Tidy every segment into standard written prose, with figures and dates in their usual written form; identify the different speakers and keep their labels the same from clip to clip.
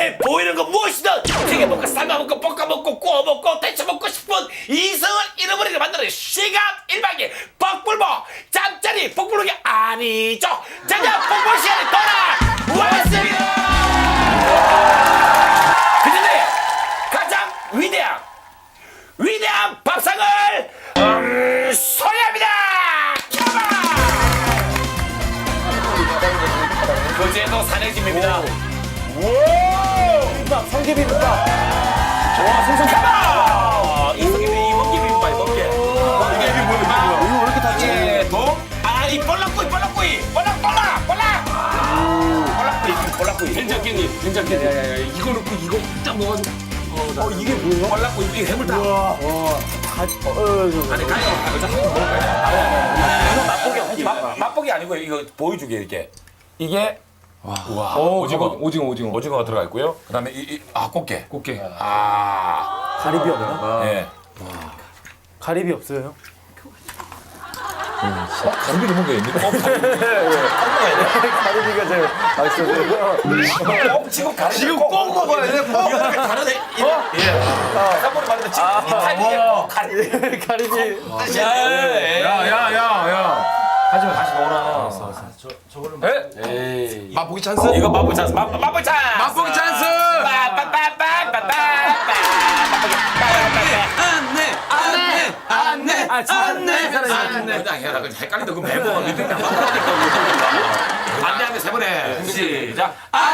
Speaker 1: 눈에 보이는 거 무엇이든 튀겨먹고 삶아먹고 볶아먹고 구워먹고 데쳐먹고 싶은 이성을 잃어버리게 만드는 시간 일방기 뻑불보 짬짜리 뻑불록이 아니죠. 자자 뻑불 시간이 돌아왔습니다. 그런데 가장 위대한 밥상을 소개합니다. 거제도 산해집입니다.
Speaker 2: 비빔밥, 성게비빔밥.
Speaker 1: 와, 생선 가마! 이성기 비빔밥, 이번게. 성게비 뭐야?
Speaker 2: 이거 왜 이렇게 다
Speaker 1: 예, 이 볼락구이. 볼락구이. 된장깻잎. 이거 넣고 이거 딱 넣어가지고.
Speaker 2: 이게 뭐예요?
Speaker 1: 볼락구이, 이게 해물탕. 아니, 가요. 한번 먹어봐요. 맛보기 아니고요. 이거 보여주게, 이렇게. 이게. 와, 오징어가 들어가 있고요. 그다음에 꽃게.
Speaker 2: 가리비 없나?
Speaker 1: 예.
Speaker 2: 가리비 없어요?
Speaker 1: 가리비를 먹어야겠네.
Speaker 2: 가리비가 제일 맛있어요.
Speaker 1: 지금 꼭 먹어야 돼. 다른데. 예. 한번 말해도 지금 타이밍에
Speaker 2: 가리비.
Speaker 3: 야야야야 하지마 다시 먹어라.
Speaker 4: 맛보기 찬스?
Speaker 1: 이거 맛보 찬스. 맛보 찬스.
Speaker 4: 맛보기 찬스! 안내!
Speaker 1: 해라. 헷갈린다. 그 매번 안내하면 세 번에 시작.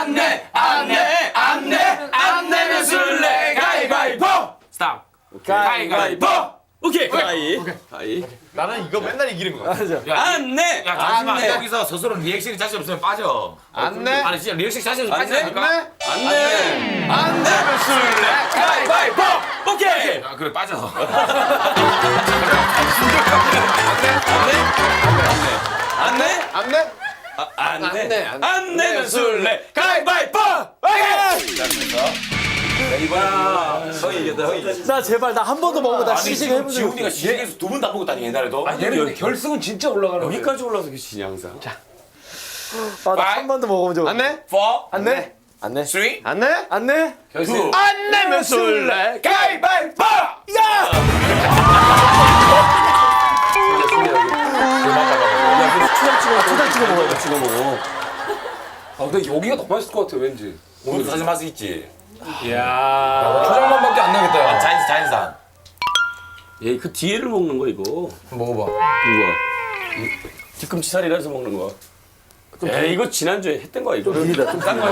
Speaker 1: 안내면 술래 가위바위보. 스탑. 가위바위보. 오케이.
Speaker 4: 나는 이거 맨날 이기는 거야.
Speaker 1: 안내. 야 잠시만 여기서 스스로 리액션이 자신 없으면 빠져.
Speaker 4: 안내?
Speaker 1: 아니 진짜 리액션 자신 없으면 빠지니까.
Speaker 4: 안내면 술래!
Speaker 1: 가위바위보. 오케이. 아 그래 빠져. 안내면 술래 가위바위보. 오케이.
Speaker 2: 나 제발 나 한 번도 먹어봐. 나 시식 해보자.
Speaker 1: 지훈이가 시식에서 두 번 다 먹었다니 옛날에도.
Speaker 3: 얘는 결승은 진짜 올라가는 거야.
Speaker 4: 여기까지 올라서 계시지 항상.
Speaker 2: 나 한 번도 먹어본 적 없어.
Speaker 4: 안내?
Speaker 1: 4,
Speaker 2: 안내? 안내?
Speaker 1: 3, 2,
Speaker 4: 안내?
Speaker 2: 안내?
Speaker 4: 안내면 술래!
Speaker 1: 가위바위보.
Speaker 2: 초장 찍어 먹어야 돼.
Speaker 3: 아 근데 여기가 더 맛있을 것 같아 왠지.
Speaker 1: 오늘 사실 맛이 있지.
Speaker 3: 초장만밖에 안 나겠다. 야.
Speaker 1: 자연산.
Speaker 5: 얘 그 뒤에를 먹는 거 이거.
Speaker 3: 먹어봐.
Speaker 5: 이거. 뒤꿈치 살이라 해서 먹는 거. 에이 이거 지난주에 했던 거야 이거.
Speaker 2: 비리다. 좀 비려.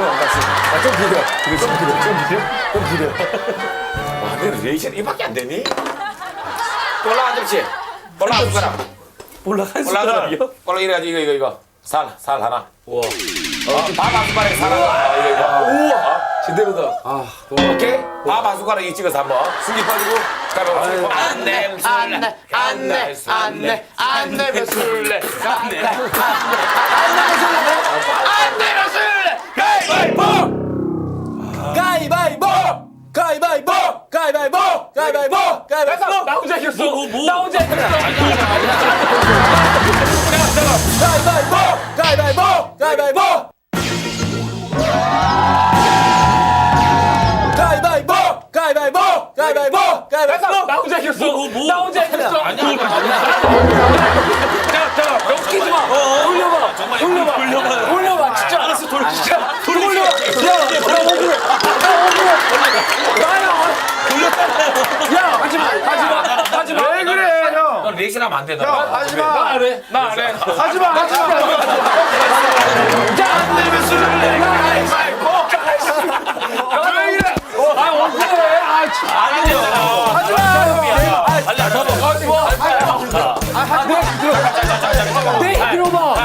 Speaker 2: 좀 비려.
Speaker 1: 와, 내 리액션 이밖에 안 되니? 볼락 한 접시. 볼락 한 숟가락.
Speaker 5: 올라간
Speaker 1: 볼락
Speaker 5: 숟가락이요?
Speaker 1: 볼락 이래가지고 이거. 살 하나.
Speaker 5: 와.
Speaker 1: 밥 한 숟가락에 살 하나. 이거.
Speaker 3: 우와. 제대로다.
Speaker 1: 오케이? 밥 한 숟가락 찍어서 한번 숨기 빠지고 가위바위보. 안내면 술래
Speaker 2: 가위바위보.
Speaker 3: 나 혼자 이겼어.
Speaker 2: 나 혼자 했다. 가위바위보.
Speaker 3: 나 혼자 이겼어.
Speaker 2: 나 혼자 했어.
Speaker 1: 아니야
Speaker 3: 웃기지 마.
Speaker 2: 올려봐. 진짜.
Speaker 5: 알았어 돌리자.
Speaker 2: 올려. 야, 억울해. 야, 하지 마.
Speaker 4: 왜 그래 형?
Speaker 1: 너 리액션 하면 안 되더라.
Speaker 4: 하지마!
Speaker 3: 나 안 해.
Speaker 4: 하지마! 안내면 술래! 가위바위보! 왜 이래?
Speaker 2: 억울해.
Speaker 1: 아니요.
Speaker 2: 내 얘기 들어봐.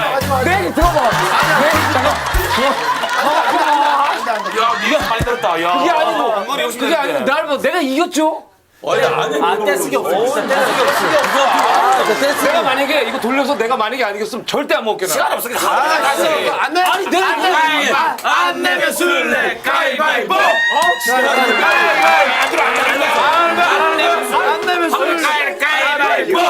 Speaker 1: 야, 네가 많이 들었다. 야.
Speaker 2: 그게 아니고.
Speaker 1: 머리 욕심
Speaker 2: 그게 아니고
Speaker 1: 내는데.
Speaker 2: 나를 내가 이겼죠?
Speaker 5: 아니 안 해.
Speaker 2: 떼쓰기 없어.
Speaker 3: 내가 만약에 이거 돌려서 내가 만약에 안 이겼으면 절대 안 먹겠다.
Speaker 1: 시간 없어. 다시.
Speaker 4: 안내!
Speaker 2: 아니 내가
Speaker 1: 안 내면 술래 가위바위보.
Speaker 4: 안 내면 술래!
Speaker 1: 가위바위보.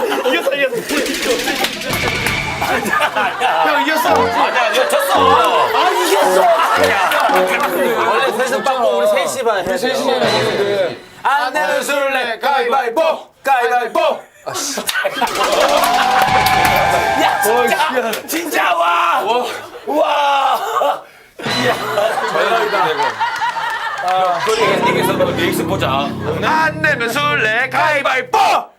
Speaker 4: 형 이겼어!
Speaker 1: 아니야, 졌어.
Speaker 2: 셋이 봐야 해.
Speaker 3: 셋이 해야 되는데.
Speaker 2: 안 내면 술래 가위바위보. 가위바위보.
Speaker 1: 야 진짜 진짜 와. 와. 그리 엔딩에서 리액션 보자.
Speaker 4: 안 내면 술래 가위바위보.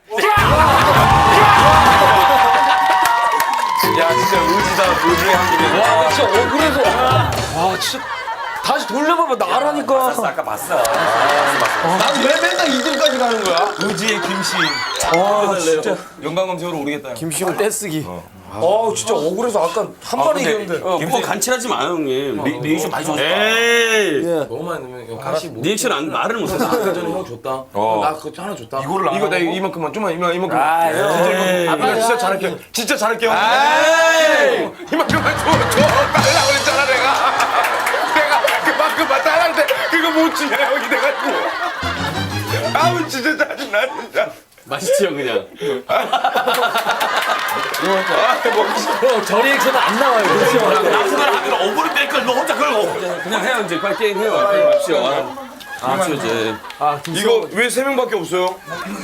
Speaker 3: 야 진짜 의지다 의지의 한국에. 와 진짜 억울해서. 와 진짜 다시 돌려봐봐 나라니까.
Speaker 1: 아까 봤어.
Speaker 4: 난 왜 맨날 2등까지 가는 거야?
Speaker 3: 의지의 김씨.
Speaker 2: 아 진짜.
Speaker 3: 영광검색으로 오르겠다.
Speaker 2: 김시훈 떼쓰기.
Speaker 3: 진짜 억울해서 아까 한 번에 이겼는데.
Speaker 5: 김치 간칠하지 마 형님. 리액션 많이 줬다.
Speaker 1: 에이.
Speaker 3: 너무 많이 넣으면 형 가시 못.
Speaker 5: 리액션 안 말을 못해서.
Speaker 3: 아까 전에 형 줬다. 나 그거 하나 줬다.
Speaker 4: 이거를 안
Speaker 3: 이거 나
Speaker 4: 하고?
Speaker 3: 이만큼만 좀만 이만큼.
Speaker 4: 이거 진짜 잘할게요. 진짜 잘할게요. 이만큼만 줘. 달라고 그랬잖아 내가 그만큼만 달라는데 그거 못 주냐 형이 돼가지고. 아우 진짜 짜증나 진짜.
Speaker 5: 맛있지요 그냥.
Speaker 2: 저 리액션은 안 나와요. 그렇죠.
Speaker 1: 남들 하면 어머니 뺄걸너 혼자 걸고.
Speaker 5: 그냥 해요 이제 빨리 게임 해요. 합시오. 이제.
Speaker 4: 이거 왜 3명밖에 없어요?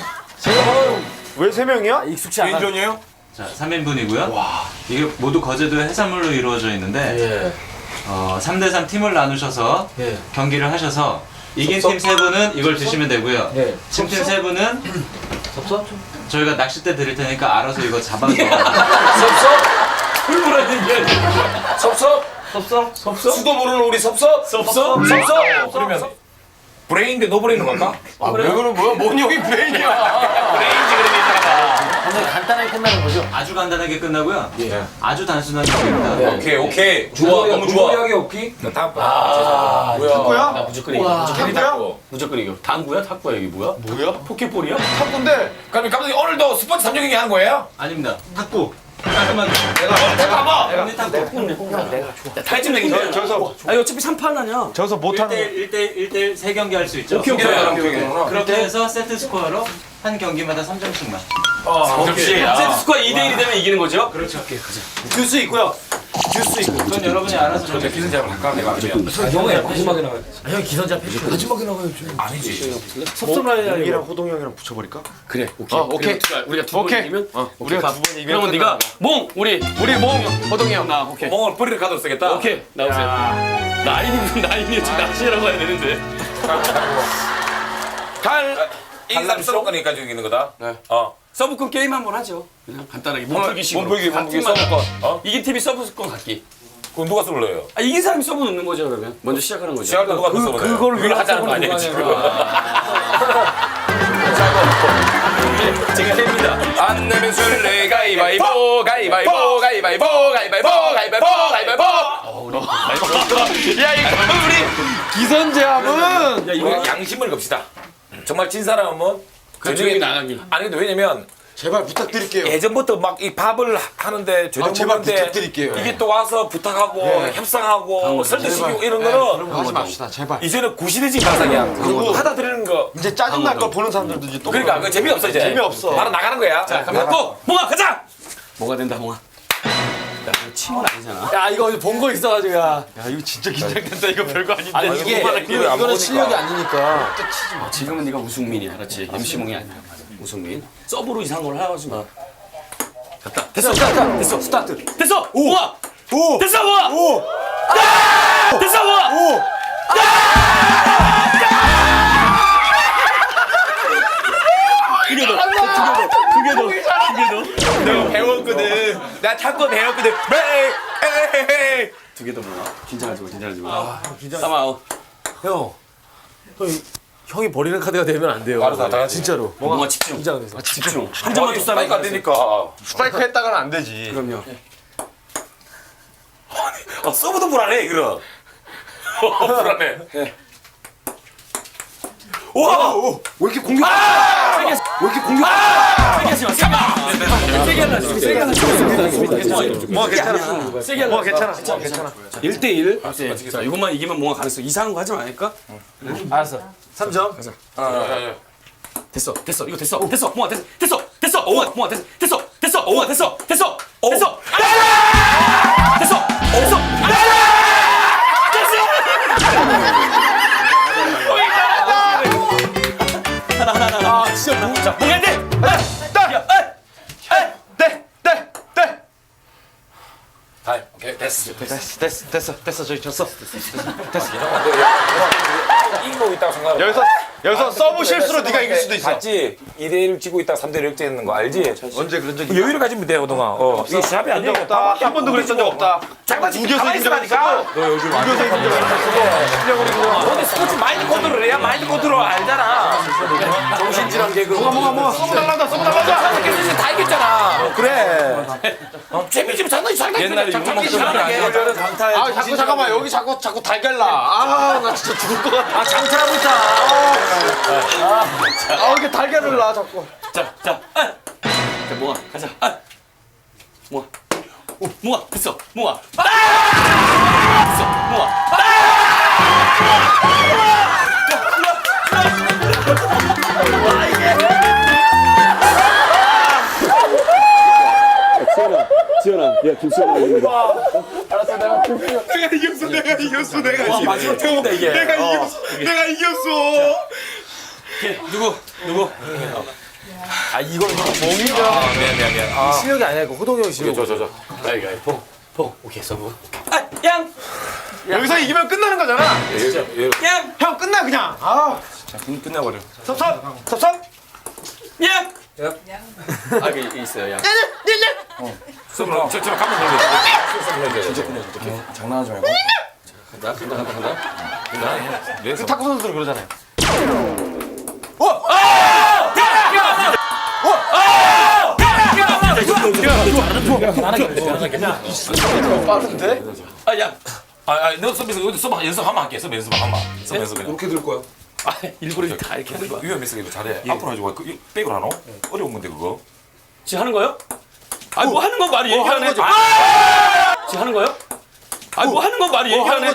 Speaker 4: 왜 3명이야?
Speaker 2: 익숙치 않아.
Speaker 4: 개인전이에요?
Speaker 6: 자, 3인분이고요. 이게 모두 거제도 해산물로 이루어져 있는데 3대3 팀을 나누셔서 경기를 하셔서 이긴 팀 3분은 이걸 드시면 되고요. 팀 3분은 저희가 낚싯대 드릴 테니까 알아서 이거 잡아서
Speaker 4: 수도 모르는 우리 섭섭? 섭섭? 그러면 브레인인데 너 브레인으로 갈까? 왜 그러는 거야? 뭔 형이 브레인이야? 브레인지 그러면 이 사람아.
Speaker 2: 굉장히 간단하게 끝나는 거죠.
Speaker 6: 아주 간단하게 끝나고요. 아주 단순한 경기입니다.
Speaker 4: 오케이. 좋아. 너무 좋아.
Speaker 3: 무리하게 없기.
Speaker 4: 탁구야?
Speaker 5: 나 무조건 이겨. 무조건 이겨. 당구야? 탁구야 이게 뭐야?
Speaker 4: 뭐야?
Speaker 5: 포켓볼이야?
Speaker 4: 탁구인데. 그럼 감독님 오늘도 스포츠 3종 경기 하는 거예요?
Speaker 6: 아닙니다. 탁구. 깔끔하게.
Speaker 1: 내가 한번.
Speaker 6: 언니 탁구.
Speaker 5: 탈진 내기.
Speaker 4: 저기서
Speaker 5: 아니 어차피 3판 아니야.
Speaker 4: 저기서 못하는
Speaker 6: 1대1 3경기 할 수 있죠.
Speaker 5: 오케이.
Speaker 6: 그렇게 해서 세트 스코어로 한 경기마다 3점씩만.
Speaker 5: 역시 세트 스코어 2대1이 되면 이기는 거죠?
Speaker 6: 그렇죠.
Speaker 2: 듀스 있고요.
Speaker 6: 그건 여러분이 알아서 정해.
Speaker 4: 기선제압을 할까? 내가 아니면.
Speaker 3: 형이 마지막에 나가.
Speaker 2: 형 기선자 패시.
Speaker 3: 마지막에 나가야지.
Speaker 4: 아니지.
Speaker 2: 섭섭라인이
Speaker 4: 형이랑 호동 형이랑 붙여버릴까?
Speaker 5: 그래. 오케이.
Speaker 4: 오케이.
Speaker 5: 우리가 두 번
Speaker 4: 오케이.
Speaker 5: 이기면
Speaker 4: 우리가 2번 이기면
Speaker 5: 그러면 네가 몽 우리
Speaker 4: 호동이 형.
Speaker 5: 나 오케이.
Speaker 4: 멍을 뿌리를 가도 쓰겠다.
Speaker 5: 오케이. 나오세요. 나인이 무슨 나인이야 지금 낚시라고 해야 되는데.
Speaker 4: 인삼 서브권이니까 이기는 거다.
Speaker 5: 네.
Speaker 4: 어.
Speaker 5: 서브권 게임 한번 하죠. 그냥 간단하게 몸풀기식으로.
Speaker 4: 몸풀기 서브권. 어?
Speaker 5: 이긴 팀이 서브권 갖기.
Speaker 4: 그럼 누가 서브를 넣어요?
Speaker 5: 아 이긴 사람이 서브 넣는 거죠 그러면. 먼저 시작하는 거죠.
Speaker 4: 시작할 때 누가 서브를 넣어요?
Speaker 5: 그걸
Speaker 4: 우리가 하자는 거 아니에요 지금?
Speaker 5: 제가 해입니다.
Speaker 4: 안 내면 술래 가위바위보 가위바위보 가위바위보 가위바위보 가위바위보 가위바위보. 야 이거 우리
Speaker 2: 기선제압은
Speaker 5: 야 이거
Speaker 4: 양심을 겁시다. 정말 진 사람은
Speaker 5: 저녁에 나가기.
Speaker 4: 아니 근데 왜냐면
Speaker 7: 제발 부탁드릴게요.
Speaker 4: 예전부터 막 이 밥을 하는데 저녁
Speaker 7: 제발
Speaker 4: 먹는데
Speaker 7: 부탁드릴게요.
Speaker 4: 이게 또 와서 부탁하고 협상하고 설득시키고 이런 거는
Speaker 7: 하지 맙시다, 제발.
Speaker 4: 이제는 구시대지 발상이야. 그거 하다 드리는 거.
Speaker 7: 이제 짜증날 걸 보는 사람들도 이제 또
Speaker 4: 그러니까 그 재미없어 이제.
Speaker 7: 재미없어.
Speaker 4: 바로 나가는 거야.
Speaker 5: 자 그럼 또 몽아 가자. 뭐가 된다 몽아. 야 이거 침은 아니잖아.
Speaker 2: 야 이거 본 거 있어가지고 야.
Speaker 7: 야 이거 진짜 긴장된다. 이거 별거 아닌데.
Speaker 2: 아니 이게 이거는 실력이 아니니까.
Speaker 5: 지금은 네가 우승민이야, 그렇지? MC몽이 아니야. 우승민. 서브로 이상한 걸 하지 마. 갔다. 됐어, 됐어, 스타트. 됐어, 우와,
Speaker 7: 오!
Speaker 5: 됐어, 우와,
Speaker 7: 오!
Speaker 5: 됐어, 우와.
Speaker 7: 오!
Speaker 4: 내가 배웠거든. 나 탁구 배웠거든. 에이.
Speaker 5: 두 개 더 모아. 긴장하지 마, 긴장하지 마. 싸마오.
Speaker 2: 형. 형이 버리는 카드가 되면 안 돼요.
Speaker 4: 알아서 다 하지.
Speaker 2: 진짜로.
Speaker 5: 뭔가 집중.
Speaker 2: 긴장돼서.
Speaker 5: 집중. 한 점만 더 싸면
Speaker 4: 스파이크 안 되니까.
Speaker 7: 스파이크 했다가는 안 되지.
Speaker 5: 그럼요.
Speaker 4: 서브도 불안해 이거. 불안해.
Speaker 7: 와! 왜 이렇게 공격? 왜 이렇게 공격?
Speaker 5: 세게 하지 마. 세게 하려고. 세게 하려고.
Speaker 7: 뭐 괜찮아.
Speaker 5: 세게
Speaker 7: 뭐
Speaker 5: 하려고.
Speaker 7: 괜찮아.
Speaker 5: 1대1. 자, 이것만 이기면 뭔가 가능성 이상한 거 하지 말까?
Speaker 2: 알았어. 3점.
Speaker 5: 됐어, 됐어, 이거 됐어, 됐어, 뭐가 됐어, 됐어, 됐어, 뭐가 됐어, 됐어, 됐어, 뭐가 됐어, 됐어, 됐어, 됐어, 됐어.
Speaker 3: 됐어 저기 졌어.
Speaker 4: 이기고 있다고 생각하고.
Speaker 7: 여기서 서브 실수로 네가 이길 수도 있어.
Speaker 4: 봤지? 2대1 지고 있다가 3대1 역전했는 거 알지?
Speaker 7: 언제 그런 적이
Speaker 4: 여유를 가지면 돼, 오동아. 이게 시합이 안 돼.
Speaker 7: 없다. 한 번도 그랬던 적 없다.
Speaker 1: 장난치고
Speaker 7: 우겨서
Speaker 1: 가만히
Speaker 7: 이긴 적
Speaker 1: 있으라니까.
Speaker 7: 없어. 너 요즘 우겨서 이긴 적 없어.
Speaker 4: 너네 스포츠 마인드 컨트롤을 해야 마인드 컨트롤 알잖아. 정신질환 개그.
Speaker 7: 뭐가 서브 달란다. 서브 달란다.
Speaker 4: 이렇게 다 이겼잖아.
Speaker 7: 그래.
Speaker 1: 재미지면 장난이
Speaker 4: 옛날에
Speaker 1: 장난이
Speaker 4: 육망
Speaker 1: 장난하게.
Speaker 7: 아 자꾸 잠깐만 여기 자꾸 달걀 나. 아나 진짜 죽을 것 같아.
Speaker 4: 아 장차라고 있다.
Speaker 7: 아 이게 달걀을 나 자꾸.
Speaker 5: 자, 몽아, 가자. 몽아. 오, 몽아, 됐어. 몽아. 됐어, 몽아.
Speaker 7: 내가 이겼어.
Speaker 4: 마지막 팀인다 이게.
Speaker 7: 내가 이겼어.
Speaker 5: 누구?
Speaker 4: 아 이거는 몽이죠. 미안. 아,
Speaker 3: 실력이 아니야 이거 호동이 형 실력.
Speaker 4: 저.
Speaker 5: 포. 오케이, 서브.
Speaker 4: 양.
Speaker 7: 여기서 이기면 끝나는 거잖아.
Speaker 4: 양.
Speaker 7: 형 끝나 그냥. 아
Speaker 4: 끝내버려.
Speaker 7: 섭섭.
Speaker 5: 양. 아, 이게 있어요, 양.
Speaker 4: 서브로 저처럼 가면 되는데. 진짜 장난하지 말고.
Speaker 5: 간다.
Speaker 7: 그 탁구 선수들 그러잖아요.
Speaker 5: 아, 양.
Speaker 4: 너 서비스 여기 서브 연습 한번 할게. 서브 연습 한번. 서브 연습 그냥.
Speaker 7: 이렇게 들 거야.
Speaker 5: 일부러 다 이렇게 하는 거야.
Speaker 4: 위험했어 이거 잘해. 앞으로 하지 마. 그 백으로 하노? 어려운 건데 그거.
Speaker 5: 지금 하는 거요? 아, 뭐 하는 건 말이 얘기 안 해. 지금 하는 거요? 아, 뭐 하는 건 말이 얘기 안 해.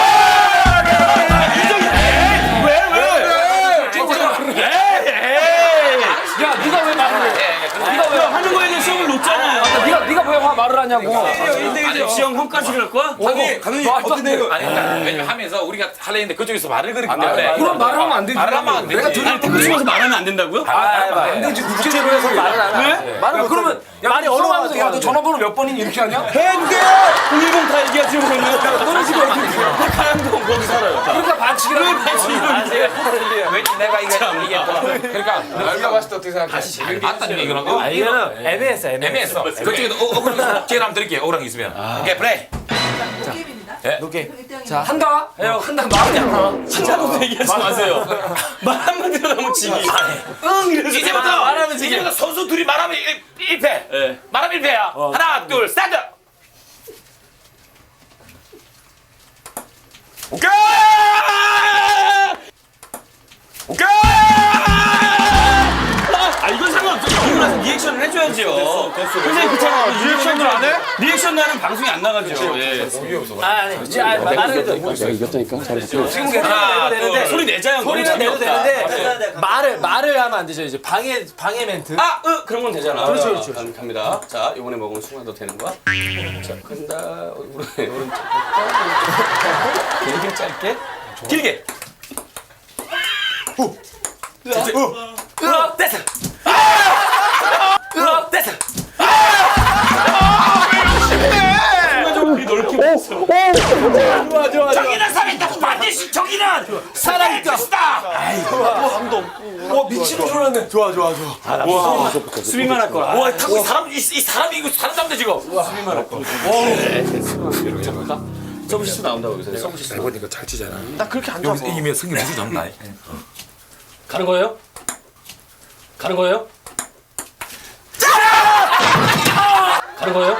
Speaker 3: 야 네가 왜 말을 해?
Speaker 5: 네가 왜 하는 거에 대해 시험을 놓잖아요.
Speaker 3: 네가 왜 말을 하냐고.
Speaker 5: 아니, 시험 형까지 할 거야?
Speaker 4: 감독님 어떻게 돼요? 아니 왜냐면 하면서 우리가 하려 했는데 그쪽에서 말을 그렇기 때문에.
Speaker 3: 그럼 말하면 안 되지.
Speaker 4: 말을 하면 안 되지.
Speaker 3: 내가
Speaker 5: 아, 탁구 치면서 말하면 안 된다고요?
Speaker 3: 안 되지. 국제적으로 해서 말을 안 해.
Speaker 5: 왜?
Speaker 3: 말을 그러면 말이 얼어가면서 야너 전화번호 몇 번이니 이렇게 하냐?
Speaker 5: 해운대 010 다 얘기하지 그러면. 너는 지금 가양동 거기 살아요.
Speaker 3: 그러니까 반칙이라고.
Speaker 4: 왜 내가 이게 그러니까
Speaker 7: 네가 봤을 때 어떻게 생각해?
Speaker 4: 아니 맞다는 얘기를 하고
Speaker 3: 이거는 애매했어.
Speaker 4: 그쪽에도 억울한 기회 한번 드릴게요. 억울한 게 있으면. 오케이 플레이.
Speaker 3: 자 한다. 한다 말하지 않아.
Speaker 5: 한자로 얘기하지 마세요. 말 한마디로 하면 지기. 응 이래서
Speaker 1: 이제부터
Speaker 5: 말하면 지기.
Speaker 1: 이제부터 선수 둘이 말하면 1패.
Speaker 5: 예.
Speaker 1: 말하면 1패야. 하나, 둘, 스타트.
Speaker 4: 오케이. 오케이.
Speaker 5: 아 이건 상관없죠. 이거 나서 리액션을 해줘야죠. 선생님 그렇잖아. 리액션을 안 해? 리액션 나는 방송이 안 나가죠. 예.
Speaker 3: 말을 해도 지금 내도 되는데
Speaker 5: 소리 내자요.
Speaker 3: 소리는 내도 되는데 말을 하면 안 되죠. 이제 방해 멘트.
Speaker 5: 그런 건 되잖아.
Speaker 3: 그렇죠.
Speaker 5: 갑니다. 자, 이번에 먹으면 순간도 되는 거야. 자, 간다. 오른쪽. 길게 짧게. 길게. 됐어. 됐어.
Speaker 1: 저기는 살아있다. 반드시 저기는 살아있다.
Speaker 3: 미치는 줄 알았네. 좋아.
Speaker 5: 수비만 할 거라.
Speaker 1: 와, 탁구 이 사람이 이거 사람 잡는데 지금.
Speaker 5: 서브 실수 나온다고 여기서. 서브 실수.
Speaker 4: 해보니까 잘 치잖아.
Speaker 7: 나 그렇게 안
Speaker 4: 여기서 이기면 승리 무슨 잡나?
Speaker 5: 가는 거예요? 가는 거예요? 가는 거예요?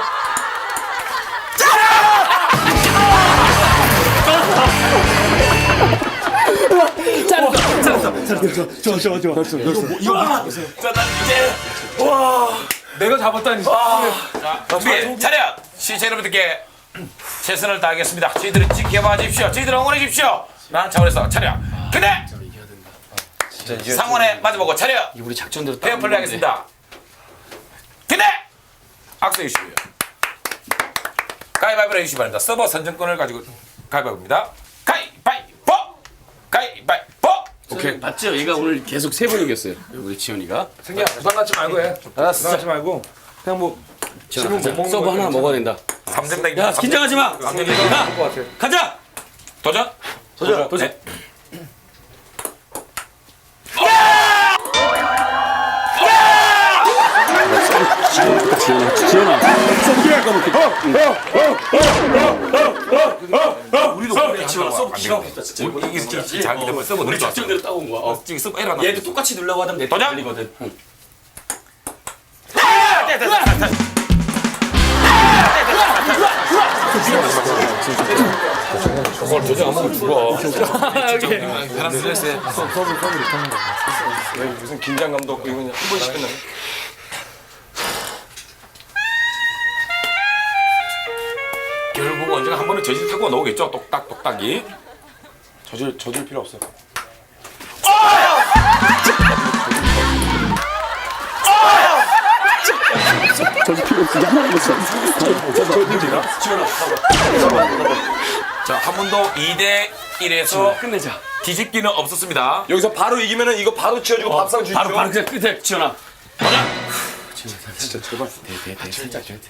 Speaker 3: 내가 잡았다니.
Speaker 1: 준비 차렷. 시청자 여러분들께 최선을 다하겠습니다. 저희들을 지켜봐 주십시오. 저희들을 응원해 주십시오. 라는 차원에서 차렷. 근데 상원에 마주보고 차렷.
Speaker 5: 우리 작전대로
Speaker 1: 페어 플레이 하겠습니다. 근데 악수해 주시고요. 가위바위보를 해주시기 바랍니다. 서버 선정권을 가지고 가위바위보입니다. 가위바위보! 가위바위보!
Speaker 5: 오케이. 맞죠? 얘가 오늘 계속 3번 이겼어요. 우리 지현이가.
Speaker 7: 생기야 부담 갖지 말고 해. 부담 갖지 말고 그냥 뭐
Speaker 5: 지현아, 서브 하나 먹어야 된다.
Speaker 1: 3점
Speaker 5: 야, 긴장하지 마. 야, 가자.
Speaker 1: 도전.
Speaker 5: 도전.
Speaker 1: 이게 자기 때문에 써보
Speaker 5: 우리 작전대로 따온 거야.
Speaker 1: 지금 써보 에러 나.
Speaker 5: 얘도 똑같이 누르려고 하면 내
Speaker 1: 도전!
Speaker 5: 걸리거든.
Speaker 1: 오늘 도전 안 먹으면 죽어.
Speaker 4: 사람 스트레스에. 무슨 긴장감도 없고 이거 그냥 한 번씩 끝나네.
Speaker 1: 결국 언젠가 한 번은 저질 타고 나오겠죠. 똑딱똑딱이.
Speaker 4: 져줄 필요 없어.
Speaker 1: 자, 한 번도 2대 1에서
Speaker 5: 끝내자.
Speaker 1: 뒤집기는 없었습니다.
Speaker 4: 여기서 바로 이기면은 이거 바로 치워주고 밥상 주시죠.
Speaker 5: 바로 그냥 끝에 지원아.
Speaker 4: 진짜 제발.
Speaker 5: 살짝 돼.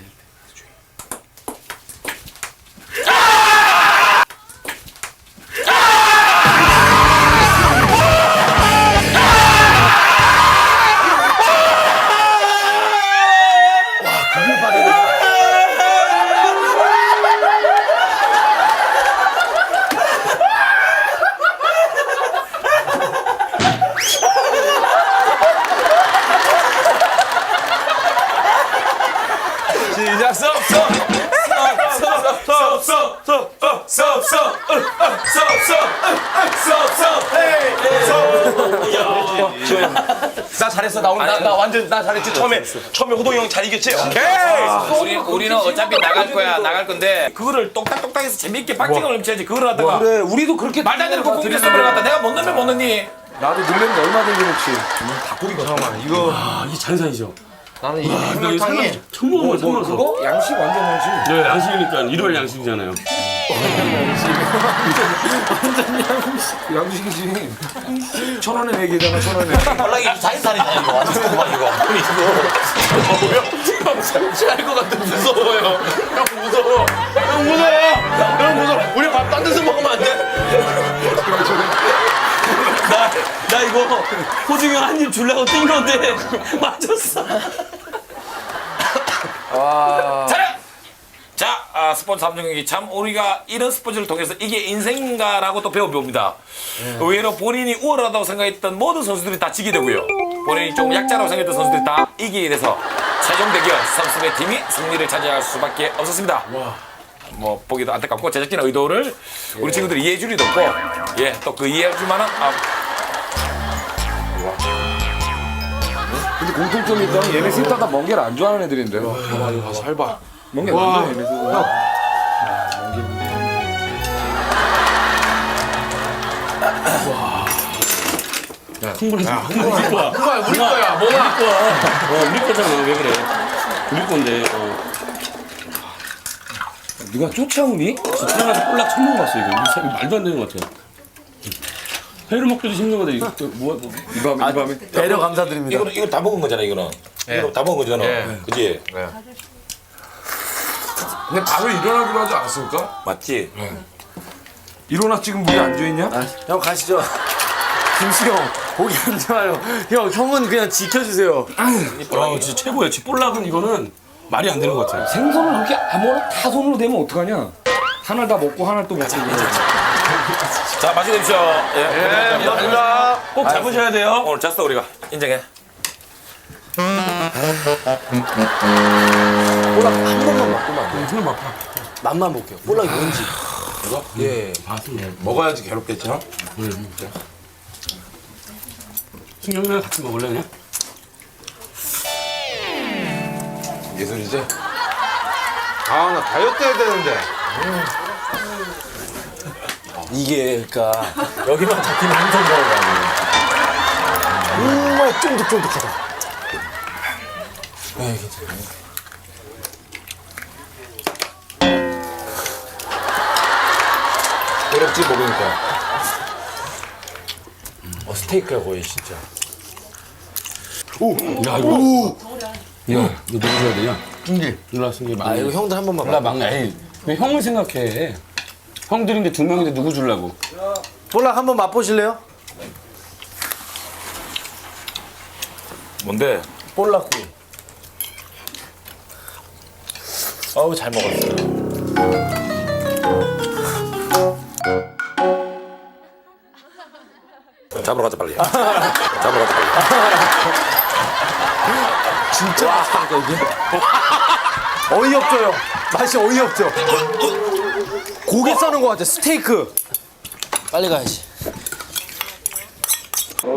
Speaker 4: 시작 나 잘했어. 나 완전 나 잘했지. 처음에 호동이 형 잘 이겼지. 오케이.
Speaker 1: 우리는 어차피 나갈 거야. 나갈 건데 그거를 똑딱똑딱해서 재밌게 박진을 넘쳐야지. 그걸 하다가
Speaker 2: 그래 우리도 그렇게
Speaker 1: 말도 안 되는 거 공격해서 버려갔다. 내가 못 넣으면 못 넣니?
Speaker 2: 나도 놀랬는데 얼마든지 혹시
Speaker 5: 이게 잔산이죠.
Speaker 7: 나는 이 해물탕이
Speaker 5: 처음 먹어요. 처음 먹어서.
Speaker 2: 그거 양식 완전 양식.
Speaker 5: 네, 양식이니까 일월 양식이잖아요.
Speaker 2: 양식이지. 1,000원에 내기잖아 1,000원에.
Speaker 1: 연락이 자연산이잖아 이거. 완전 고마 이거.
Speaker 4: 할것 같아. 무서워요. 형 무서워. 형 무서워. 우리 밥 딴 데서 먹으면 안 돼?
Speaker 5: 나 이거 호중이 형 한 입 주려고 뛴 건데 맞았어.
Speaker 1: 자, 스포츠 3종 경기 참 우리가 이런 스포츠를 통해서 이게 인생인가라고 또 배워봅니다. 의외로 본인이 우월하다고 생각했던 모든 선수들이 다 지게 되고요. 본인이 좀 약자라고 생각했던 선수들이 다 이기게 돼서 최종 대결 선수의 팀이 승리를 차지할 수밖에 없었습니다. 뭐 보기도 안타깝고 제작진의 의도를 우리 친구들이 이해해 줄 리도 없고 예, 또 그 이해해 줄 만한
Speaker 2: 근데 공통점이 있다면 얘네 셋 다 멍게를 안 좋아하는 애들인데. 봐봐 이거 가서 봐. 멍게 안 좋아해 얘네 셋.
Speaker 5: 흥분했어.
Speaker 4: 우리 거야. 뭐야?
Speaker 5: 우리 거잖아. 왜 그래? 우리 건데.
Speaker 2: 네가 쫓아오니?
Speaker 5: 태어나서 꼴락 처음 먹어봤어 이거. 이거 말도 안 되는 것 같아. 회를 먹기도 힘든 거다 이거.
Speaker 2: 이 밤에 배려 감사드립니다.
Speaker 1: 이거 다 먹은 거잖아 이거는. 이거 다 먹은 거잖아. 그지?
Speaker 7: 근데 바로 일어나기로 하지 않았습니까?
Speaker 1: 맞지?
Speaker 7: 일어나 지금 물이 안 좋았냐?
Speaker 2: 형 가시죠. 김수 형 보기 안 좋아요. 형 형은 그냥 지켜주세요.
Speaker 5: 진짜 최고야. 볼락은 이거는 말이 안 되는 것 같아.
Speaker 2: 생선을 그렇게 아무거나 다 손으로 대면 어떡하냐? 하나 다 먹고 하나 또 먹고.
Speaker 1: 자, 맛있게 드십시오. 예.
Speaker 4: 감사합니다.
Speaker 5: 꼭 잡으셔야 돼요.
Speaker 1: 오늘 잤어 우리가 인정해.
Speaker 2: 볼락 한 번만 맛보면 안 돼. 맛만 볼게요. 볼락이 뭔지.
Speaker 7: 이거? 예. 먹어야지 괴롭겠죠?
Speaker 5: 신경이랑 같이 먹을래 그냥?
Speaker 7: 예술이지? 아, 나 다이어트 해야 되는데.
Speaker 2: 이게 그러니까 여기만 잡히면 항상 그런 거 아니에요. 정말 쫀득쫀득하다. 네, 괜찮아요.
Speaker 7: 괴롭지 먹으니까.
Speaker 2: 스테이크야 거의 진짜.
Speaker 5: 야 이거. 야 이거 누구 줘야 되냐?
Speaker 2: 일로 승기.
Speaker 7: 아 이거 형들 한 번만
Speaker 2: 몰라 막내. 에이, 왜 형을 생각해? 형들인데 두 명인데 누구 주려고?
Speaker 7: 볼락 한번 맛보실래요?
Speaker 4: 뭔데?
Speaker 7: 볼락구이. 어우 잘 먹었어요.
Speaker 4: 잡으러 가자 빨리. 잡으러 가자 빨리.
Speaker 7: 진짜 맛있다니까 이게. 어이없죠요. 맛이 어이없죠. 고기 써는 것 같아. 스테이크. 빨리 가야지.